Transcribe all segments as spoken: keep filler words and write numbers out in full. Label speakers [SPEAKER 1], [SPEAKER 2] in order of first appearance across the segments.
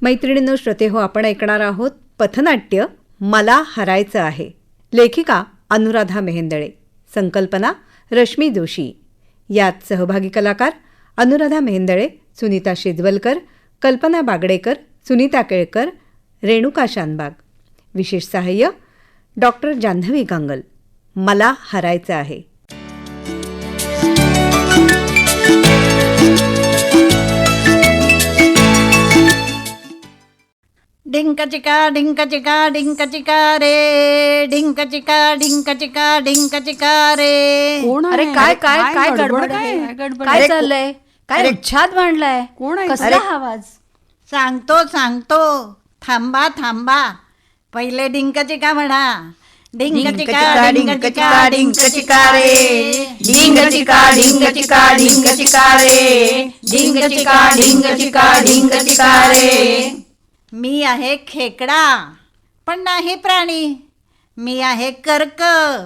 [SPEAKER 1] मैत्रिणींनो, श्रोते हो, आपण ऐकणार आहोत पथनाट्य मला हरायचं आहे. लेखिका अनुराधा मेहेंदळे, संकल्पना रश्मी जोशी. यात सहभागी कलाकार अनुराधा मेहेंदळे, सुनीता शेजवलकर, कल्पना बागडेकर, सुनीता केळकर, रेणुका शानबाग. विशेष सहाय्य डॉक्टर जान्हवी गांगल. मला हरायचं आहे.
[SPEAKER 2] डिंक चिका डिंक चिका डिंक चिका रे, डिंक चिका डिंक चिका डिंक चिका रे.
[SPEAKER 3] कोण आहे?
[SPEAKER 4] अरे काय काय
[SPEAKER 3] काय
[SPEAKER 4] काय
[SPEAKER 3] गडबड
[SPEAKER 4] गडबड
[SPEAKER 3] आहे?
[SPEAKER 4] आहे?
[SPEAKER 3] काय गडबड
[SPEAKER 4] काय
[SPEAKER 3] आहे?
[SPEAKER 4] चाललंय? काय
[SPEAKER 3] अरे,
[SPEAKER 4] उच्छाद मांडलाय?
[SPEAKER 3] कोण आहे?
[SPEAKER 4] कसला
[SPEAKER 3] अरे,
[SPEAKER 4] आवाज?
[SPEAKER 2] सांगतो सांगतो थांबा थांबा. पहिले डिंक चिका म्हणा. डिंक चिका डिंक चिका डिंक चिका रे,
[SPEAKER 4] डिंग चिका डिंग चिका डिंग चिका रे, डिंग चिका डिंग चिका डिंग चिका रे.
[SPEAKER 2] मी आहे खेकडा पण नाही प्राणी. मी आहे कर्क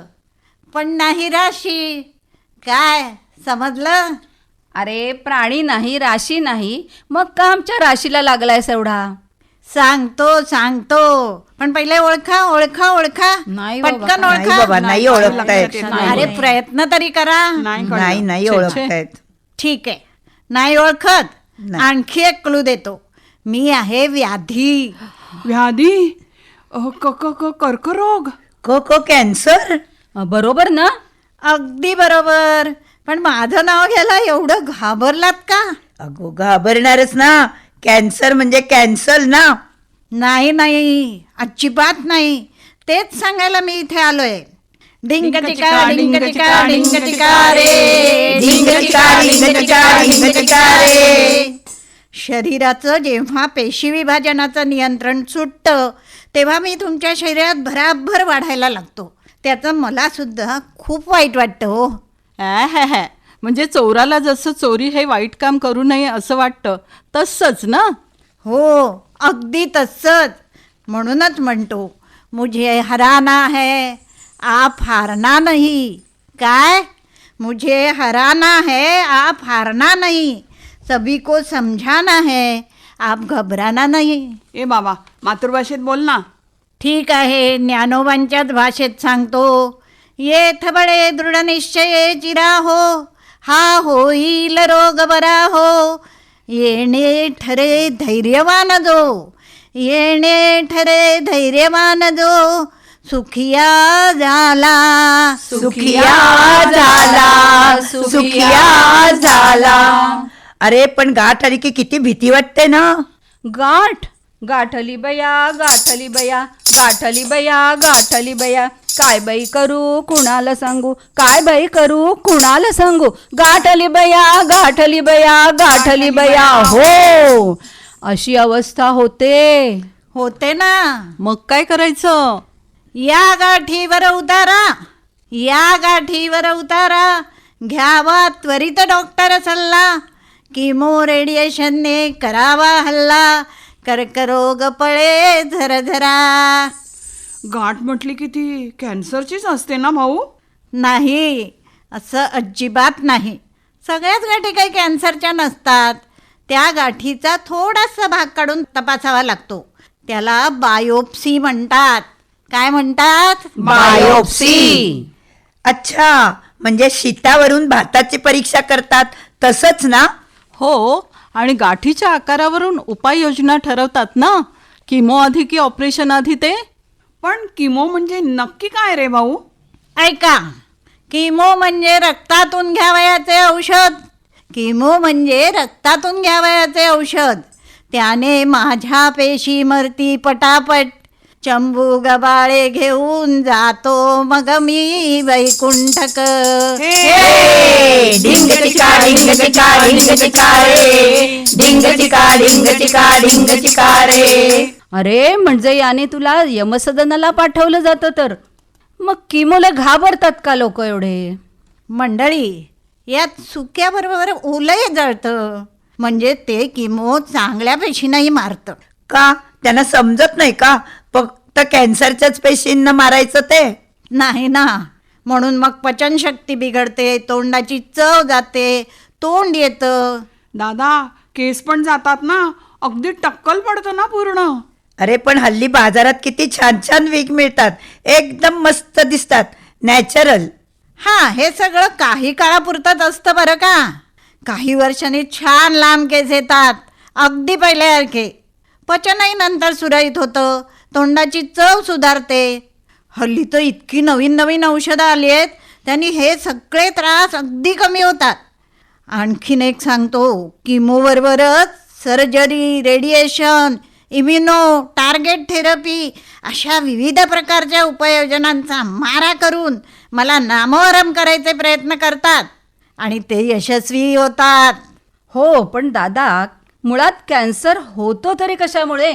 [SPEAKER 2] पण नाही राशी. काय समजलं?
[SPEAKER 4] अरे प्राणी नाही, राशी नाही, मग का आमच्या राशीला लागलाय एवढा?
[SPEAKER 2] सांगतो सांगतो पण पहिले ओळखा ओळखा ओळखा.
[SPEAKER 4] नाही बाबा,
[SPEAKER 2] पटकन
[SPEAKER 3] नाही
[SPEAKER 2] ओळखा.
[SPEAKER 3] बाबा, नाही ओळखतायत.
[SPEAKER 2] अरे प्रयत्न तरी करा.
[SPEAKER 3] नाही नाही ओळखतायत.
[SPEAKER 2] ठीक आहे, नाही ओळखत.
[SPEAKER 3] नाही.
[SPEAKER 2] आणखी एक क्लू देतो. मी आहे व्याधी.
[SPEAKER 3] व्याधी? अहो, क क क कर्करोग.
[SPEAKER 5] को को कॅन्सर.
[SPEAKER 4] बरोबर ना?
[SPEAKER 2] अगदी बरोबर. पण माझं नाव घ्यायला एवढं घाबरलात का?
[SPEAKER 5] अगो घाबरणारच ना. कॅन्सर म्हणजे कॅन्सल ना.
[SPEAKER 2] नाही नाही, अजिबात नाही. तेच सांगायला मी इथे आलोय. डिंग टिका डिंग टिका डिंग टिका रे,
[SPEAKER 5] डिंग चिका डिंग चिका डिंग चिका रे.
[SPEAKER 2] शरीराचं जेव्हा पेशी विभाजनाचं नियंत्रण सुटतं तेव्हा मी तुमच्या शरीरात भराभर वाढायला लागतो. त्याचं मला सुद्धा खूप वाईट वाटतं हो.
[SPEAKER 3] ॲ म्हणजे चोराला जसं चोरी हे वाईट काम करू नये असं वाटतं तसंच ना.
[SPEAKER 2] हो, अगदी तसंच. म्हणूनच म्हणतो मुझे हराना है आप हारना नहीं. काय? मुझे हराना है आप हारना नहीं. सभी को समझाना है आप घबराना नहीं.
[SPEAKER 3] ए बाबा, मातृभाषेत बोल ना.
[SPEAKER 2] ठीक आहे, ज्ञानोबांच्याच भाषेत सांगतो. ये थबडे दृढ निश्चये चिरा हो, हा होईल रोग बरा हो. येणे ठरे धैर्यवान जो, येणे ठरे धैर्यवान जो, सुखिया झाला
[SPEAKER 5] सुखिया झाला सुखिया झाला. अरे पण गाठ आली की किती भीती वाटते ना.
[SPEAKER 4] गाठ गाठली बया गाठली बया गाठली बया गाठली बया. काय बाई करू कुणाला सांगू, काय बाई करू कुणाला सांगू. गाठली बया गाठली बया गाठली बया. हो, अशी अवस्था होते.
[SPEAKER 2] होते ना.
[SPEAKER 3] मग काय करायचं?
[SPEAKER 2] या गाठीवर उतारा, या गाठीवर उतारा. घ्यावा त्वरित डॉक्टर सल्ला. किमो रेडिएशनने करावा हल्ला. कर्करोग पळे झरझरा.
[SPEAKER 3] गाठ म्हटली की ती कॅन्सरचीच असते ना भाऊ?
[SPEAKER 2] नाही, असं अजिबात नाही. सगळ्याच गाठी काही कॅन्सरच्या नसतात. त्या गाठीचा थोडासा भाग काढून तपासावा लागतो. त्याला बायोप्सी म्हणतात. काय म्हणतात?
[SPEAKER 5] बायोप्सी. अच्छा, म्हणजे शीतावरून भाताची परीक्षा करतात तसंच ना.
[SPEAKER 3] हो, आणि गाठीच्या आकारावरून उपाययोजना ठरवतात ना. किमो आधी की ऑपरेशन आधी ते. पण किमो म्हणजे नक्की काय रे भाऊ?
[SPEAKER 2] ऐका, किमो म्हणजे रक्तातून घ्यावयाचे औषध. किमो म्हणजे रक्तातून घ्यावयाचे औषध. त्याने माझ्या पेशी मरती पटापट. चंबू गबाळे घेऊन जातो मग मी वैकुंठक.
[SPEAKER 5] डिंग चिका डिंग चिका डिंग चिका रे, डिंग चिका डिंग चिका डिंग चिका रे.
[SPEAKER 4] अरे म्हणजे याने तुला यमसदनाला पाठवलं जातं तर मग किमोला घाबरतात का लोक एवढे?
[SPEAKER 2] मंडळी, यात सुक्याबरोबर ओलंही जळतं. म्हणजे ते किमो चांगल्या पेशींनाही मारतं.
[SPEAKER 5] का त्यांना समजत नाही का फक्त कॅन्सरच्याच पेशींना मारायचं ते?
[SPEAKER 2] नाही ना. म्हणून मग पचनशक्ती बिघडते, तोंडाची चव जाते, तोंड येतं.
[SPEAKER 3] दादा, केस पण जातात ना. अगदी टक्कल पडतं ना पूर्ण.
[SPEAKER 5] अरे पण हल्ली बाजारात किती छान छान विग मिळतात, एकदम मस्त दिसतात, नॅचरल.
[SPEAKER 2] हा, हे सगळं काही काळापुरतंच असतं बरं का. काही वर्षांनी छान लांब केस येतात, अगदी पहिल्यासारखे. पचनही नंतर सुरळीत होतं, तोंडाची चव सुधारते. हल्ली तर इतकी नवीन नवीन औषधं आली आहेत, त्यांनी हे सगळे त्रास अगदी कमी होतात. आणखीन एक सांगतो, किमोबरोबरच surgery, radiation, immuno, target therapy अशा विविध प्रकारच्या उपाययोजनांचा मारा करून मला नामोहरम करायचे प्रयत्न करतात आणि ते यशस्वी होतात.
[SPEAKER 4] हो, पण दादा, मुळात कॅन्सर होतो तरी कशामुळे?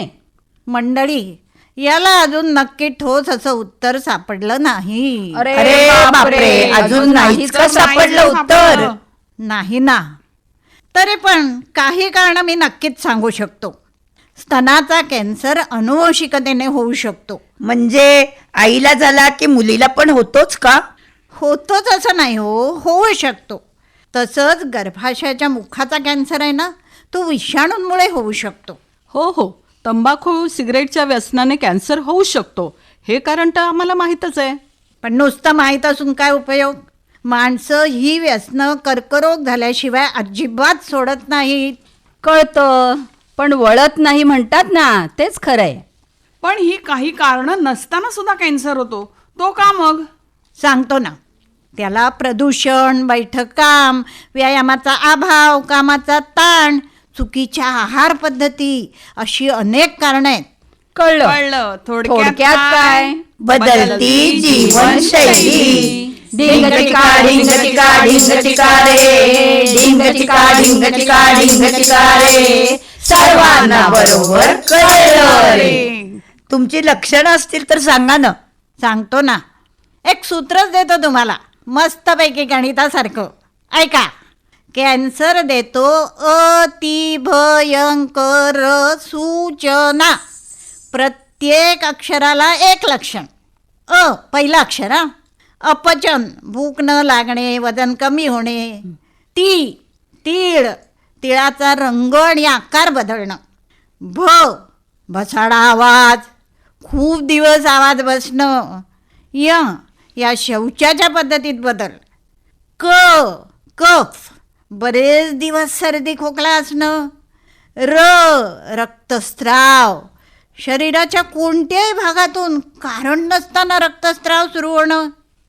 [SPEAKER 2] मंडळी, याला अजून नक्की ठोस असं उत्तर सापडलं नाही.
[SPEAKER 5] अरे बापरे, अजून नाहीच का सापडलं उत्तर?
[SPEAKER 2] नाही ना. तरी पण काही कारण मी नक्कीच सांगू शकतो. स्तनाचा कॅन्सर अनुवंशिकतेने होऊ शकतो.
[SPEAKER 5] म्हणजे आईला झाला की मुलीला पण होतोच का?
[SPEAKER 2] होतोच असं नाही हो, होऊ शकतो. तसंच गर्भाशयाच्या मुखाचा कॅन्सर आहे ना, तो विषाणूंमुळे होऊ शकतो.
[SPEAKER 3] हो हो, तंबाखू सिगरेटच्या व्यसनाने कॅन्सर होऊ शकतो, हे कारण तर आम्हाला माहीतच आहे.
[SPEAKER 2] पण नुसतं माहीत असून काय उपयोग? माणसं ही व्यसनं कर्करोग झाल्याशिवाय अजिबात सोडत नाहीत.
[SPEAKER 4] कळतं, पण वळत नाही म्हणतात ना, तेच खरंय.
[SPEAKER 3] पण ही काही कारणं नसताना सुद्धा कॅन्सर होतो, तो का मग?
[SPEAKER 2] सांगतो ना. त्याला प्रदूषण, बैठक काम, व्यायामाचा अभाव, कामाचा ताण, चुकीच्या आहार पद्धती अशी अनेक कारणं आहेत.
[SPEAKER 4] कळलं.
[SPEAKER 3] कळलं.
[SPEAKER 4] थोडक्यात काय?
[SPEAKER 5] बदलती जीवनशैली.
[SPEAKER 4] ढिंगचिका ढिंगचिका ढिंगचिका रे, ढिंगचिका ढिंगचिका ढिंगचिका रे, सर्वांना बरोबर कळलं रे.
[SPEAKER 5] तुमची लक्षणं असतील तर सांगा ना.
[SPEAKER 2] सांगतो ना. एक सूत्रच देतो तुम्हाला, मस्तपैकी गणितासारखं. ऐका. कॅन्सर देतो अतिभयंकर सूचना. प्रत्येक अक्षराला एक लक्षण. अ पहिलं अक्षर हा, अपचन, भूक न लागणे, वजन कमी होणे. ती तीळ, तिळाचा रंग आणि आकार बदलणं. भ भसाडा आवाज, खूप दिवस आवाज बसणं. य या शौचाच्या पद्धतीत बदल. क कफ, बरेच दिवस सर्दी खोकला असणं. र रक्तस्राव, शरीराच्या कोणत्याही भागातून कारण नसताना रक्तस्राव सुरू होणं.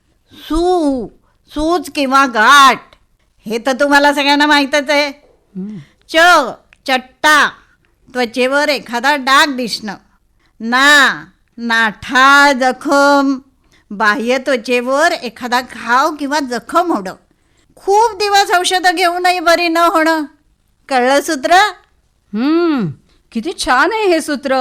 [SPEAKER 2] सू सूज किंवा गाठ, हे तर तुम्हाला सगळ्यांना माहीतच आहे. च चट्टा, त्वचेवर एखादा डाग दिसणं. ना नाठा, जखम, बाह्य त्वचेवर एखादा घाव किंवा जखम होणं. खूप दिवस औषधं घेऊनही बरी न होणं. कळलं सूत्र?
[SPEAKER 4] हम्म, किती छान आहे हे सूत्र.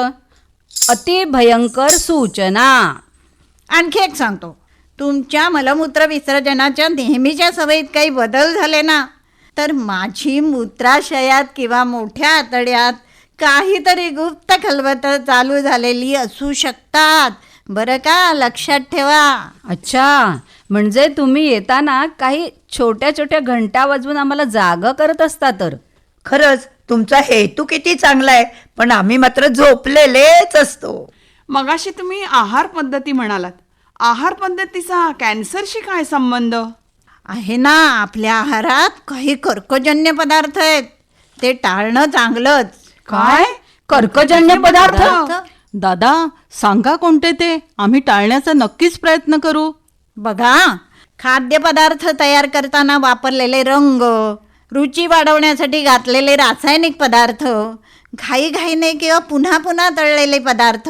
[SPEAKER 4] अति भयंकर सूचना.
[SPEAKER 2] आणखी एक सांगतो. तुमच्या मलमूत्र विसर्जनाच्या नेहमीच्या सवयीत काही बदल झाले ना, तर माझी मूत्राशयात किंवा मोठ्या आतड्यात काहीतरी गुप्त खलबतं चालू झालेली असू शकतात. बरं का, लक्षात ठेवा.
[SPEAKER 4] अच्छा, म्हणजे तुम्ही येताना काही छोट्या छोट्या घंटा वाजवून आम्हाला जागं करत असता तर.
[SPEAKER 5] खरंच तुमचा हेतू किती चांगला आहे, पण आम्ही मात्र झोपलेलेच असतो.
[SPEAKER 3] मगाशी तुम्ही आहार पद्धती म्हणालात. आहार पद्धतीचा कॅन्सरशी काय संबंध?
[SPEAKER 2] आहे ना, आपल्या आहारात काही कर्कजन्य पदार्थ आहेत, ते टाळणं चांगलंच.
[SPEAKER 4] काय? कर्कजन्य पदार्थ?
[SPEAKER 3] दादा, सांगा कोणते ते, आम्ही टाळण्याचा नक्कीच प्रयत्न करू.
[SPEAKER 2] बघा, खाद्यपदार्थ तयार करताना वापरलेले रंग, रुची वाढवण्यासाठी घातलेले रासायनिक पदार्थ, घाईघाईने किंवा पुन्हा पुन्हा तळलेले पदार्थ,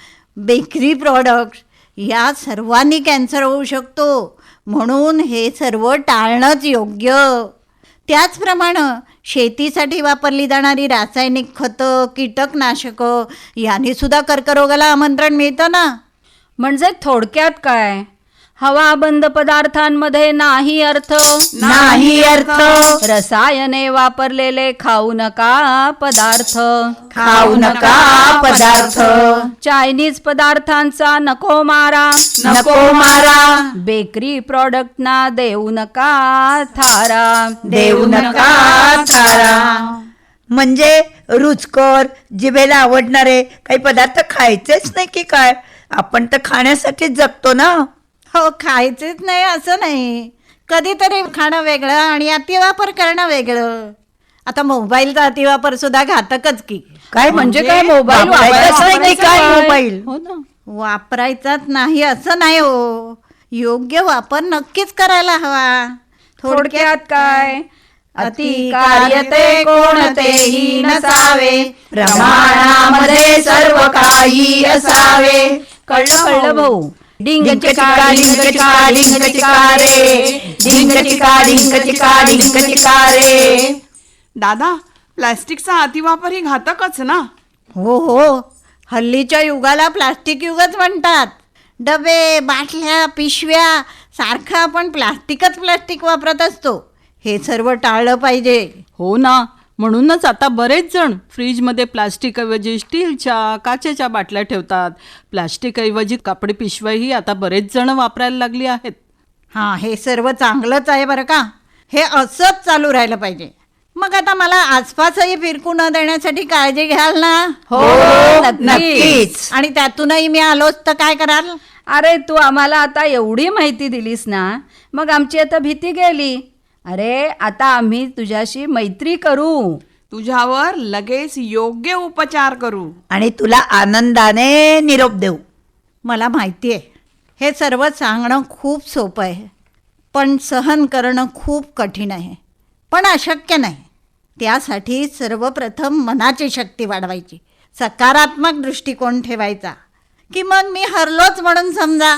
[SPEAKER 2] बेकरी प्रॉडक्ट्स, या सर्वांनी कॅन्सर होऊ शकतो. म्हणून हे सर्व टाळणंच योग्य. त्याचप्रमाणे शेतीसाठी वापरली जाणारी रासायनिक खतं, कीटकनाशकं यांनी सुद्धा कर्करोगाला आमंत्रण मिळतं ना.
[SPEAKER 4] म्हणजे थोडक्यात काय? हवाबंद पदार्थांमध्ये नाही अर्थ,
[SPEAKER 5] नाही अर्थ.
[SPEAKER 4] रसायने वापरलेले खाऊ नका पदार्थ,
[SPEAKER 5] खाऊ नका पदार्थ.
[SPEAKER 4] चायनीज पदार्थांचा नको मारा,
[SPEAKER 5] नको मारा.
[SPEAKER 4] बेकरी प्रॉडक्टना देऊ नका थारा,
[SPEAKER 5] देऊ नका थारा. म्हणजे रुचकर जिभेला आवडणारे काही पदार्थ खायचेच नाही की काय? आपण तर खाण्यासाठीच जगतो ना.
[SPEAKER 2] हो, खायचेच नाही असं नाही, कधीतरी खाणं वेगळं आणि अतिवापर करणं वेगळं. आता मोबाईलचा अतिवापर सुद्धा घातकच की.
[SPEAKER 5] काय
[SPEAKER 4] म्हणजे काय मोबाईल
[SPEAKER 5] वापरायचाच नाही की
[SPEAKER 4] वापरायचा
[SPEAKER 5] काय
[SPEAKER 4] काय?
[SPEAKER 5] मोबाईल?
[SPEAKER 3] हो ना.
[SPEAKER 2] वापरायचाच नाही असं नाही हो, योग्य वापर नक्कीच करायला हवा.
[SPEAKER 4] थोडक्यात काय?
[SPEAKER 2] अति कार्यते कोणतेही नसावे,
[SPEAKER 5] प्रमाणामध्ये सर्व काही असावे.
[SPEAKER 4] कळलं कळलं भाऊ. डिंग
[SPEAKER 5] डिंक
[SPEAKER 4] चिका
[SPEAKER 5] चिका
[SPEAKER 4] डिंग
[SPEAKER 5] डिंक
[SPEAKER 4] चिका
[SPEAKER 5] चिका डिंक चिका रे, डिंक चिका डिंक चिका डिंक चिका रे.
[SPEAKER 3] दादा, प्लॅस्टिकचा अतिवापर ही घातकच ना.
[SPEAKER 2] हो हो, हल्लीच्या युगाला प्लास्टिक युगच म्हणतात. डबे, बाटल्या, पिशव्या सारखं आपण प्लास्टिकच प्लास्टिक वापरत असतो. हे सर्व टाळलं पाहिजे.
[SPEAKER 3] हो ना, म्हणूनच आता बरेच जण फ्रीजमध्ये प्लास्टिकऐवजी स्टीलच्या काचेच्या बाटल्या ठेवतात. प्लास्टिकऐवजी कापडी पिशव्याही आता बरेच जण वापरायला लागली आहेत.
[SPEAKER 2] हां, हे सर्व चांगलंच आहे बरं का. हे असंच चालू राहिलं पाहिजे. मग आता मला आसपासही फिरकू न देण्यासाठी काळजी घ्याल ना?
[SPEAKER 4] हो
[SPEAKER 5] नक्कीच.
[SPEAKER 2] आणि त्यातूनही मी आलोच तर काय कराल?
[SPEAKER 4] अरे तू आम्हाला आता एवढी माहिती दिलीस ना, मग आमची आता भीती गेली. अरे आता आम्ही तुझ्याशी मैत्री करू,
[SPEAKER 3] तुझ्यावर लगेच योग्य उपचार करू
[SPEAKER 5] आणि तुला आनंदाने निरोप देऊ.
[SPEAKER 2] मला माहिती आहे, हे सर्व सांगणं खूप सोपं आहे, पण सहन करणं खूप कठीण आहे, पण अशक्य नाही. त्यासाठी सर्वप्रथम मनाची शक्ती वाढवायची, सकारात्मक दृष्टिकोन ठेवायचा, की मग मी हरलोच म्हणून समजा.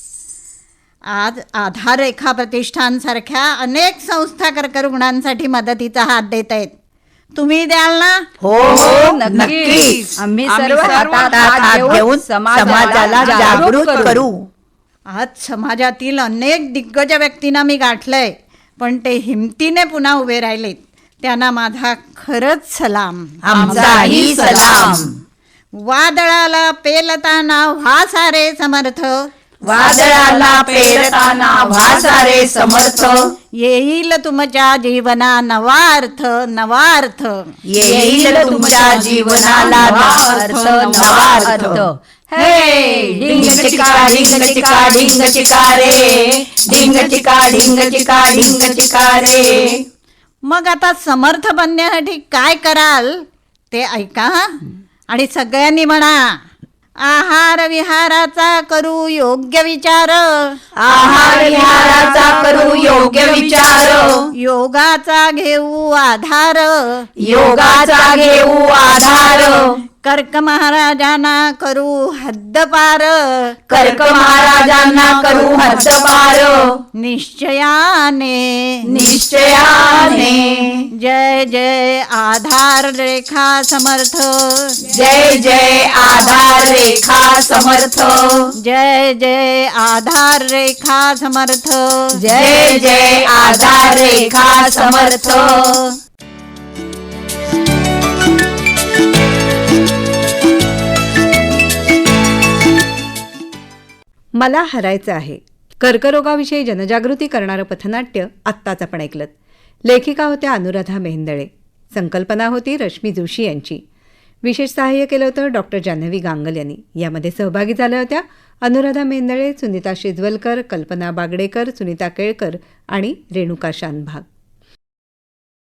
[SPEAKER 2] आज आधार रेखा प्रतिष्ठानसारख्या अनेक संस्था कर्करुग्णांसाठी मदतीचा हात देत आहेत. तुम्ही द्याल ना?
[SPEAKER 5] हो हो
[SPEAKER 4] नक्कीच.
[SPEAKER 5] नक्कीच.
[SPEAKER 4] आम्ही
[SPEAKER 3] आम्ही
[SPEAKER 4] सर्व
[SPEAKER 3] सर्व
[SPEAKER 4] हातात
[SPEAKER 5] हातात
[SPEAKER 4] हात
[SPEAKER 5] हात
[SPEAKER 4] घेऊन
[SPEAKER 5] घेऊन समाजाला जागृत करू.
[SPEAKER 2] आज समाजातील अनेक दिग्गज व्यक्तींना मी गाठलंय, पण ते हिमतीने पुन्हा उभे राहिलेत. त्यांना माझा खरंच सलाम.
[SPEAKER 5] आमचाही सलाम.
[SPEAKER 2] वादळाला पेलताना व्हा सारे समर्थ,
[SPEAKER 5] वादळाला पेरताना भासारे समर्थ.
[SPEAKER 2] येईल तुमच्या जीवना नवा अर्थ, नवा अर्थ.
[SPEAKER 5] येईल तुमच्या जीवनाला नवा अर्थ, नवा अर्थ.
[SPEAKER 4] हे
[SPEAKER 5] डिंग चिका डिंग चिका डिंग चिका रे, डिंग चिका डिंग चिका डिंग चिका रे.
[SPEAKER 2] मग आता समर्थ बनण्यासाठी काय कराल ते ऐका हं? आणि सगळ्यांनी म्हणा, आहार विहाराचा करू योग्य विचार,
[SPEAKER 5] आहार विहाराचा करू योग्य विचार.
[SPEAKER 2] योगाचा घेऊ आधार,
[SPEAKER 5] योगाचा घेऊ आधार.
[SPEAKER 2] कर्क महाराजांना करू हद्दपार,
[SPEAKER 5] कर्क महाराजांना करू हद्दपार.
[SPEAKER 2] निश्चयाने
[SPEAKER 5] निश्चयाने.
[SPEAKER 2] जय जय आधार रेखा समर्थ,
[SPEAKER 5] जय जय आधार रेखा समर्थ.
[SPEAKER 2] जय जय आधार रेखा समर्थ.
[SPEAKER 5] जय जय आधार रेखा समर्थ.
[SPEAKER 1] मला हरायचं आहे. कर्करोगाविषयी जनजागृती करणारं पथनाट्य आत्ताच आपण ऐकलं. लेखिका होत्या अनुराधा मेहेंदळे. संकल्पना होती रश्मी जोशी यांची. विशेष सहाय्य केलं होतं डॉक्टर जान्हवी गांगल यांनी. यामध्ये सहभागी झाल्या होत्या अनुराधा मेहेंदळे, सुनीता शिजवलकर, कल्पना बागडेकर, सुनीता केळकर आणि रेणुका शानभाग.